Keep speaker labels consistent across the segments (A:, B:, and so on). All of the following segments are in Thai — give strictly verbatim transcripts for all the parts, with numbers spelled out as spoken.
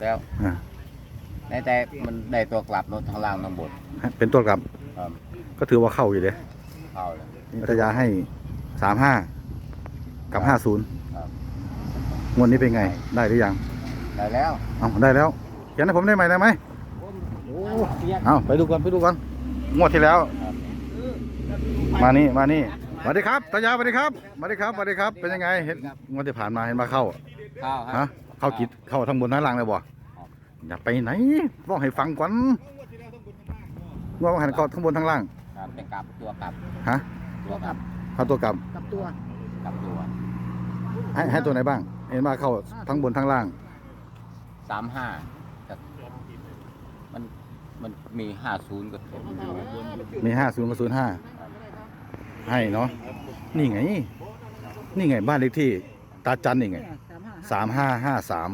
A: แล้ว
B: อ่า
A: ในแต่มันได้ตัวกลับรถทางล่างทางบน
B: เป็นตัวกลับ
A: ครับ
B: ก็ถือว่าเข้าอยู่เลย
A: เข้าเลย
B: นิตยาให้สามห้ากับห้าศูนย์
A: ครับ
B: งวดนี้เป็นไงได้หรือยัง
A: ได้แล้ว
B: เอาได้แล้วเขียนให้ผมได้ไหมได้ไหมเอาไปดูก่อนไปดูก่อนงวดที่แล้ว
A: ครับ
B: มานี่มานี่สวัสดีครับตายาสวัสดีครับสวัสดีครับสวัสดีครับเป็นยังไงเห็นงวดที่ผ่านมาเห็นมาเข้า
A: เข้าค
B: ฮะ
A: รับ
B: เข้ากิดเข้าทั้งบนทั้งล่างเลยบ่อย่าไปไหนบอกให้ฟังก่อนว่าหันเข้าทั้งบนทั้งล่าง
A: ครับเป็นกลับตัวกลับ
B: ฮะ
A: ตัวกลับ
B: เข้าตัวกลับ
C: กับตัว
A: กลับตัว
B: ให้ให้ตัวไหนบ้าง เห็นมาเข้าทั้งบนทั้งล่าง
A: สามห้ามันมันมีห้าศูนย์กับ
B: มีห้าศูนย์กับศูนย์ห้าให้เนาะนี่ไง นี่ไงบ้านเลขที่ตาจันนี่ไงสามห้าห้าสาม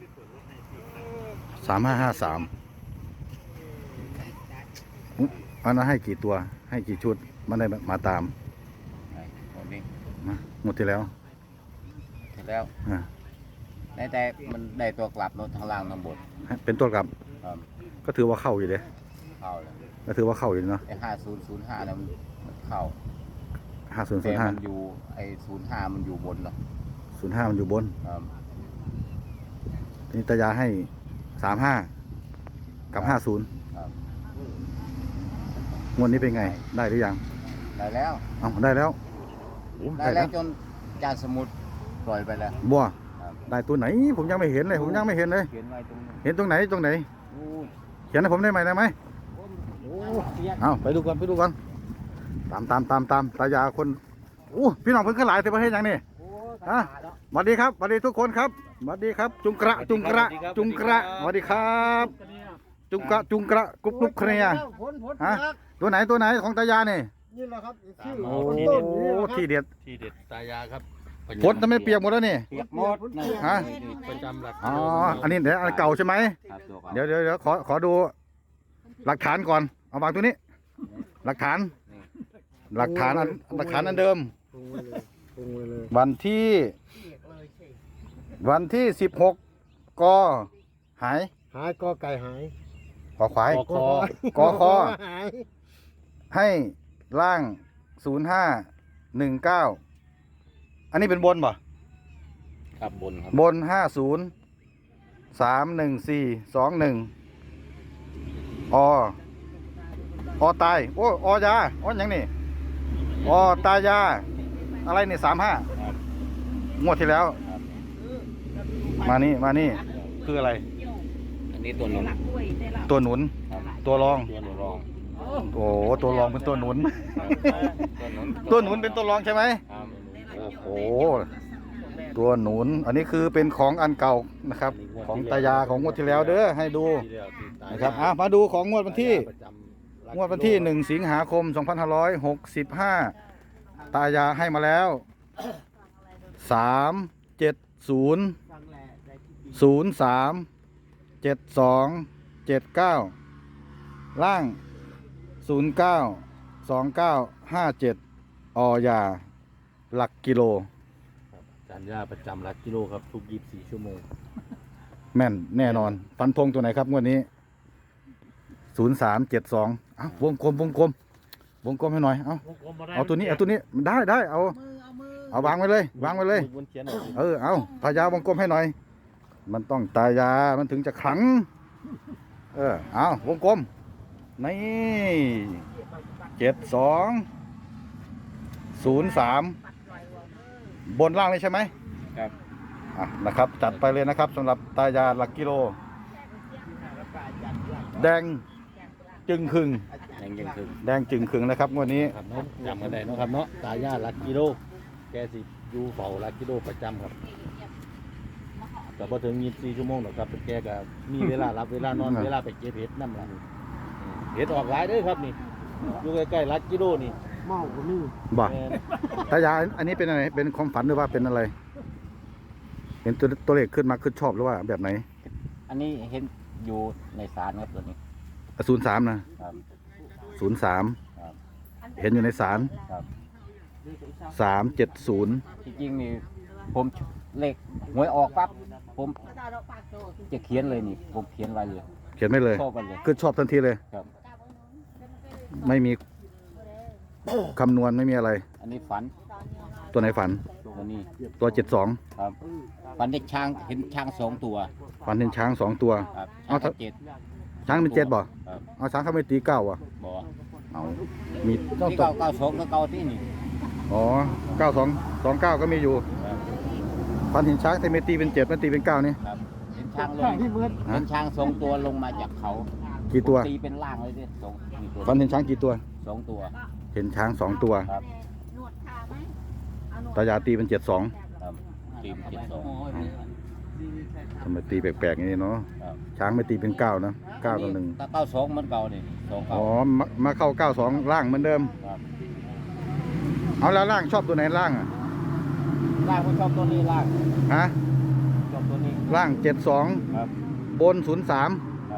B: สามห้าห้าสามอันนั้นให้กี่ตัว ให้กี่ชุดมันได้มาตาม
A: ตรงนี้
B: มาหมดที่แล้ว
A: เสร็จแล้ว
B: อ่า
A: ในแต่มันได้ตัวกลับรถทางล่างทางบน
B: เป็นตัวกลับ
A: ครับ
B: ก็ถือว่าเข้าอยู่เลย
A: เข้าเลย
B: ก็ถือว่าเข้าอยู่เนาะ
A: ไอ้ห้าศูนย์ศูนย์ห้าเนี่ยมันมันเข้า
B: ห้าศูนย์ศู
A: แต่
B: นย์ห้า
A: มันอยู่ไอ้ศูนย์ห้ามันอยู่บนเนาะ
B: ศูนย์ห้ามันอยู่บน
A: ครับ
B: นิตยาให้สามห้ากับห้าศูนย์
A: ครับ
B: งวดนี้เป็นไง ได้หรือยัง
A: ได้แล้ว
B: เอาได้แล้วโอ้
A: ได้แล้วจนจานสมุดปล่อยไปแล้ว
B: บัว
A: ครับ
B: ได้ตัวไหน ผมยังไม่เห็นเลย ผมยังไม่เห็นเลย
A: เขียนไว้ตรงนี้
B: เห็นตรงไหนตรงไหน
A: โอ้ย
B: เขียนให้ผมได้ไหมได้ไหม
A: โอ้ยเขียน
B: เอาไปดูกันไปดูกันตามตามตามตามตายาคนโอ้พี่น้องเพิ่งขึ้นหลายแต่ประเทศยังนี่
A: โอ้ย
B: ฮะ สวัสดีครับสวัสดีทุกคนครับสวัสดีครับ จุงกระจุงกระจุงกระสวัสดีครับ จุงกระจุงกระกุ๊บกุ๊บเคลียร์
C: ผลผล
B: ฮะตัวไหนตัวไหนของตายานี่
C: นี่แหละครับชื่อ
B: โอ้
C: คนต้นนี่แหละครับ
B: ที่เด็ด
D: ทีเด็ดตายาครับ
B: ฝนทำไมเปียกหมดแล้วนี่
A: เปียกหมดนี่
B: ฮะ
D: ประจำหลัก
B: อ๋ออันนี้เดี๋ยวอันเก่าใช่ไหม
A: ครับตัวก่อน
B: เดี๋ยวเดี๋ยวเดี๋ยวขอขอดูหลักฐานก่อนเอาวางตัวนี้ หลักฐาน หลักฐานอันหลักฐานอันเดิม
C: ปรุงไว้เลยปรุงไว้เลย
B: วันที่ วันที่สิบหกกหาย
C: หายก็ไก่หาย
B: ขอควาย
D: กคอก
B: อคอ
C: หาย
B: ให้ล่างศูนย์ห้าหนึ่งเก้าอันนี้เป็นบนป่ะ
A: ครับบนครับ
B: บนห้าศูนย์สามหนึ่งสี่สองหนึ่งออตายโอ้ออยาออหยังนี่ออตายา อะไรนี่สามห้า
A: ครับ
B: งวดที่แล้ว
A: ครับ
B: มานี่มานี่คืออะไร
A: อันนี้ตัวหนุน
B: ตัวหนุน
A: ครับ
B: ตัวรอง
A: ตัวหนุนรอง
B: โอ้ตัวรองเป็นตัวหนุน
A: ตัวหนุน
B: ตัวหนุนเป็นตัวรองใช่ไหม
A: ครับ
B: โอ้โหตัวหนุน อันนี้คือเป็นของอันเก่านะครับ ของตายาของงวดที่แล้วเด้อให้ดู
D: ทีเดียวที่ตายา
B: นะครับอ่ะมาดูของงวดวันที่
D: ประจำหลัก
B: งวดวันที่หนึ่งสิงหาคมสองพันห้าร้อยหกสิบห้าตายาให้มาแล้วสามเจ็ดศูนย์ศูนย์สามเจ็ดสองเจ็ดเก้าล่างศูนย์เก้าสองเก้าห้าเจ็ดออยาหลักกิโล
D: จานยาประจำหลักกิโลครับทุกยี่สิบสี่ชั่วโมง
B: แม่นแน่นอนฟันธงตัวไหนครับงวดนี้ศูนย์สามเจ็ดสองเอาวงกลมวงกลมวงกลมให้หน่อยเอาเอาตัวนี้เอาตัวนี้ได้ได้เอา
C: มือเอามือ
B: เอาวางไว้เลยวางไว้เลย
D: บนเขียนหน่อย
B: เออเอาตายาวงกลมให้หน่อย มันต้องตายามันถึงจะขลัง เออเอาวงกลมนี่เจ็ดสองศูนย์สามบนล่างเลยใช่ไหม
A: ครับ
B: อ่ะนะครับจัดไปเลยนะครับสำหรับตายาหลักกิโล แดงจึงครึง
A: ยังยังคือ
B: แดงจึงครึงนะครับงวันนี้
D: ครับเนาะจำกันได้เนาะครับเนาะตายาหลักกิโลแกสิอยู่เฝ้าหลักกิโลประจำครับแต่พอถึงยี่สิบสี่ชั่วโมงหรอกครับแกก็มีเวลารับเวลานอน
B: อืม
D: เวลาไปเก็บเห็ดน้ำละเห็ดออกหลายเด้อครับนี่อยู่ใกล้ๆหลักกิโลนี่
C: เมาคนนี้
B: บ่
D: แม่น
B: ตายาอันนี้เป็นอะไรเป็นความฝันหรือว่าเป็นอะไร เห็นตัวตัวเลขขึ้นมาขึ้นชอบหรือว่าแบบไหน
A: อันนี้เห็นอยู่ในศาลครับตัวนี้
B: ศูนย์สามนะครับ ศูนย์สาม
A: ครับ
B: เห็นอยู่ในศาล
A: ครับ
B: สามเจ็ดศูนย์
A: ที่จริงนี่ผมเลขหวยออกปั๊บผมจะเขียนเลยนี่ผมเขียนไว้เลย
B: เขียนไม่เลย
A: ชอบไปเลย
B: คือชอบทันทีเลย
A: ครับ
B: ไม่มีคำนวณไม่มีอะไร
A: อันนี้ฝัน
B: ตัวไหนฝัน
A: ตัวนี้
B: ตัวเจ็ดสอง
A: ครับฝันเด็กช้างเห็นช้างสองตัว
B: ฝันเห็นช้างสองตัว
A: ครับ
B: เอา
A: ช้าง
B: ถ้า
A: เจ็ด
B: ช้างเป็นเจ็ดบ่
A: ครับ
B: เอาช้างเข้าไปตีเก้าอ่ะ
A: บ่
B: เอามี
A: ที่
B: ตัว
A: เก้าเก้าสองก็เก้าที่นี่
B: อ๋อเก้าสองสองเก้าก็มีอยู่
A: ครับ
B: ฝันเห็นช้างแต่ไม่ตีเป็นเจ็ดไม่ตีเป็นเก้านี่
A: ครับเห็นช้างล
C: ช่าง งที่มืด
A: เห็นช้างสองตัวลงมาจากเขา
B: กี่ตัว
A: ตีเป็นล่างเลยดิสองกี่ตัว
B: ฝันเห็นช้างกี่ตัว
A: สองตัว
B: เห็นช้างสองตัว
A: ครับ
B: ตายาตีเป็นเจ็ดสอง
A: ครับตีเป็นเจ็ดสอง
B: ทำไมตีแปลกๆอย่างนี้เนาะ
A: ครับ
B: ช้างไม่ตีเป็นเก้านะเก้าต่อหนึ่ง
A: ถ้าเก้าสองมันเก่านี่สองเก้า
B: อ๋อมามาเข้าเก้าสองล่างเหมือนเดิม
A: ครับ
B: เอาแล้วล่างชอบตัวไหนล่างอ่ะ
A: ล่างผมชอบตัวนี้ล่าง
B: ฮะ
A: ชอบตัวนี้
B: ล่างเจ็ดสอง
A: ครับ
B: บนศูนย์สาม
A: ครับ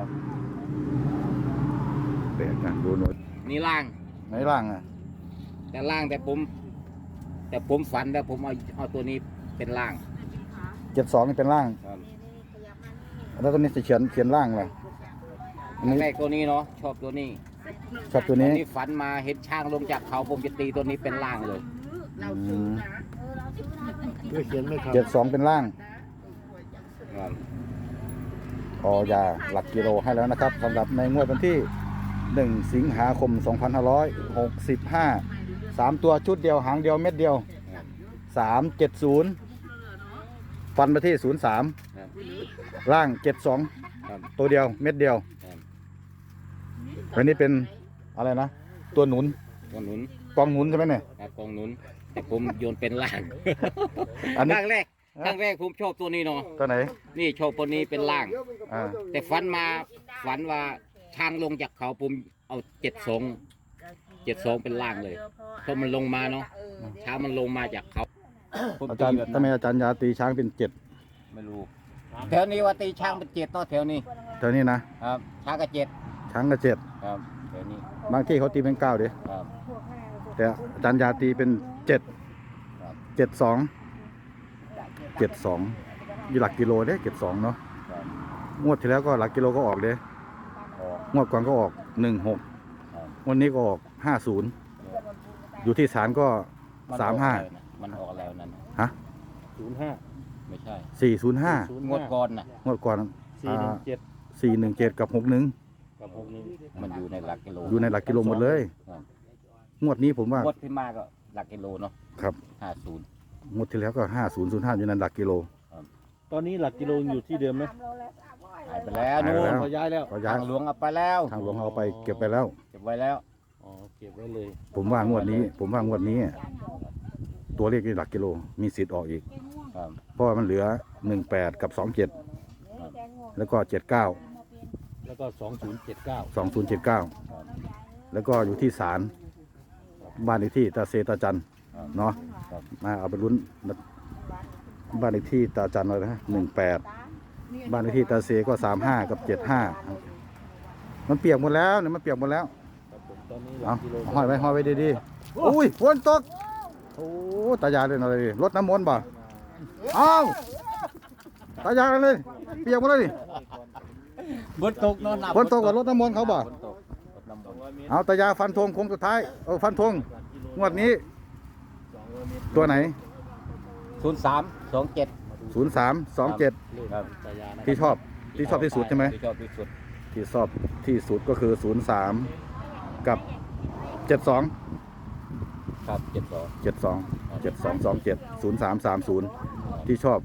B: แปลกนะดูหน่อย
A: นี่ล่าง
B: ไหนล่างอ่ะ
A: แต่ล่างแต่ผม แต่ผมฝันแล้วผมเอาเอาตัวนี้เป็นล่าง
B: เจ็ดสองนี่เป็นล่าง
A: ครับ
B: แล้วตัวนี้จะเขียนเขียนล่างเลยอันนี้
A: แรกตัวนี้เนาะชอบตัวนี้
B: ชอบตัวนี้
A: อัฝันมาเห็นช้างลงจากเขาผมจะตีตัวนี้เป็นล่างเลย
B: อืม
C: ไม่เขียนไม่ครับ
B: เจ็ดสองเป็นล่าง
A: ครับ
B: ออยาหลักกิโลให้แล้วนะครับสำหรับในงวดวันที่หนึ่งสิงหาคมสองพันห้าร้อยหกสิบห้าสามตัวชุดเดียวหางเดียวเม็ดเดียว
A: ครับ
B: สามเจ็ดศูนย์ฟันไปที่ศูนย์สาม
A: ครับ
B: ล่างเจ็ดสอง
A: ครับ
B: ตัวเดียวเม็ดเดียว
A: ครับ
B: อันนี้เป็นอะไรนะ ตัวหนุน
A: ตัวหนุน
B: กองหนุนใช่ไหมเนี่ย
A: ครับกองหนุน แต่ผมโยนเป็นล่าง
B: อันนี้
A: ครั้งแรกครั้งแรกผมชอบตัวนี้เนาะ
B: ตัวไหน
A: นี่ชอบตัวนี้เป็นล่าง
B: อ่า
A: แต่ฝันมาฝันว่าช้างลงจากเขาผมเอาเจ็ดสองเจ็ดสองเป็นล่างเลยเพราะมันลงมาเนาะช้างมันลงมาจากเขาผม
B: อาจารย์
A: ตีแบบ
B: ทำไม
A: นั้น
B: อาจารย์ยาตีช้างเป็นเจ็ด
A: ไม่รู้แถวนี้ว่าตีช้างเป็นเจ็ดเนาะแถวนี้
B: แถวนี้นะครับ
A: ช้างก็เจ็ด
B: ช้างก็เจ็ด
A: ครับแถวนี้
B: บางที่เขาตีเป็นเก้าดิ
A: ครับ
B: แต่อาจารย์ยาตีเป็นเจ็ด
A: ครับ
B: เจ็ดสองเจ็ดสองอยู่หลักกิโลเด้เจ็ดสองเนาะ
A: ครับ
B: งวดที่แล้วก็หลักกิโลก็ออกเด้
A: ออก
B: งวดก่อนก็ออกหนึ่งหก
A: ครับ
B: วันนี้ก็ออกห้าศูนย์อยู่ที่ศาลก็
A: น
B: สามห้า
A: ออกแล้วนะมันออกแล้วนั่นน่ะ
B: ฮะ
D: ศูนย์ห้า
A: ไม่ใช่
B: สี่ศูนย์ห้าง
A: วดก่อนน่ะ
B: งวดก่อน
D: สี่หนึ่งเจ็ด
B: สี่หนึ่งเจ็ดกับหกหนึ่ง
D: กับหกหนึ่ง
A: มันอยู่ในหลักกิโล
B: อยู่ในหลักกิโลหมดเลย
A: ครับ
B: งวดนี้ผมว่าง
A: วดที่มาก็หลักกิโลเนาะ
B: ครับ
A: ห้าศูนย์
B: งวดที่แล้วก็ห้าศูนย์ศูนย์ห้าอยู่ในหลักกิโล
D: ตอนนี้หลักกิโลอยู่ที่เดิมไหม
A: หายไปแล้ว
B: หาย
A: นู่
B: ไป
A: น
B: แล้ว
D: เขาย้ายแล้ว
B: ก็ย้า
A: ทาย งหลวงเอาไปแล้ว
B: ทางหลวงเอาไปเก็บไปแล้ว
A: เก็บไว้แล้ว
D: อ๋อเก็บไว้เลย
B: ผมว่างวดนี้ ผมว่างวดนี้ ตัวเลขในหลักกิโลมีสิทธิ์ออกอีก
A: ครับ
B: เพราะว่ามันเหลือหนึ่งแปดกับสองเจ็ดแล้วก็เจ็ดเก้า
D: แล้วก็สองศูนย์เจ็ดเก้า
B: สองศูนย์เจ็ดเก้า
A: ครับ
B: แล้วก็อยู่ที่ศาลบ้านเลขที่ตาเซตาจัน
A: ครับ
B: เนาะ
A: ครับ
B: มาเอาไปลุ้นบ้านเลขที่ตาจันเลยนะหนึ่งแปดบ้านเลขที่ตาเซก็สามห้ากับเจ็ดห้ามันเปียกหมดแล้วเนี่ยมันเปียกหมดแล้ว
D: ครับผมตอนนี้หลั
B: เอา
D: กกิโล
B: ห้อยไว้ห้อยไว้ดีๆอุ้ยฝนตกโอ้ตายายเลยอะไรรถน้ำมนต์บ่เอาตายายเลย เปียกหมดเลยดิ
A: บนตกเนาะ
B: ฝนตกกับรถน้ำมนต์เขาบ่
A: ฝนตกรถน้ำมนต์
B: เอาตายาฟันธงคงสุดท้ายเออฟันธงงวดนี้ ตัวไหน
A: ศูนย์สามสองเจ็ด
B: ศูนย์สามสองเจ็ด
A: ครับ
D: ตายานะ
B: ที่ชอบที่ชอบที่สุดใช่ไหม
A: ที่ชอบที่สุด
B: ที่ชอบที่สุดก็คือศูนย์สามกับเจ็ดสอง
A: ครับเจ็ดสอง
B: เจ็ดสองเจ็ดสองสองเจ็ดศูนย์สามสามศูนย์ที่ชอบ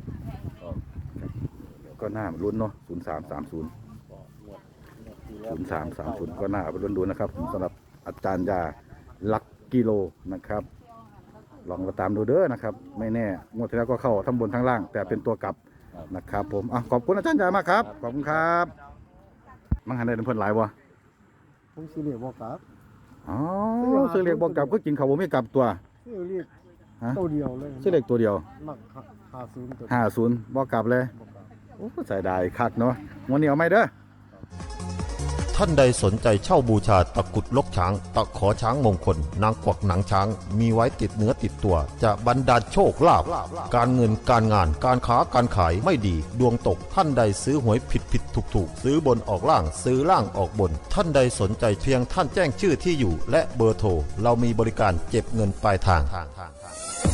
B: ก็น่าลุ้นเนาะศูนย์สามสามศูนย์ศูนย์สามสามศูนย์ก็น่าเอาไปลุ้นดูนะครับสำหรับอาจารย์ยาลักกิโลนะครับ ลองมาตามดูเด้อนะครับ ไม่แน่งวดที่แล้วก็เข้าทั้งบนทั้งล่าง แต่เป็นตัวกลับนะครับผมอ่ะขอบคุณอาจารย์ยามากครับขอบคุณครับมังหันได้น้ำเพิ่นหลายวะ
C: ผมสิเรียกบอกครับ
B: อ๋อซื้อเรียกบอกกลับก็กินข้าวบ่มีกลับตัว
C: สิเรียก
B: ฮะ
C: ตัวเดียวเลย
B: ซื้อเรียกตัวเดียว
C: มักหาศูนย์ตัว
B: ห้าศูนย์บอกกลับเลย
C: บอกครับ
B: โอ้ใส่ได้คักเนาะวันนี้เอาไหมเด้อ
E: ทท่านใดสนใจเช่าบูชาตะกรุดลกช้าง ตะขอช้างมงคล นางกวักหนังช้าง มีไว้ติดเนื้อติดตัว จะบรรดาลโชคลาภการเงินการงานการค้าการขายไม่ดีดวงตกท่านใดซื้อหวยผิดผิดถูกถูกซื้อบนออกล่างซื้อล่างออกบน ท่านใดสนใจเพียงท่านแจ้งชื่อที่อยู่ และเบอร์โทรเรามีบริการเก็บเงินปลายทาง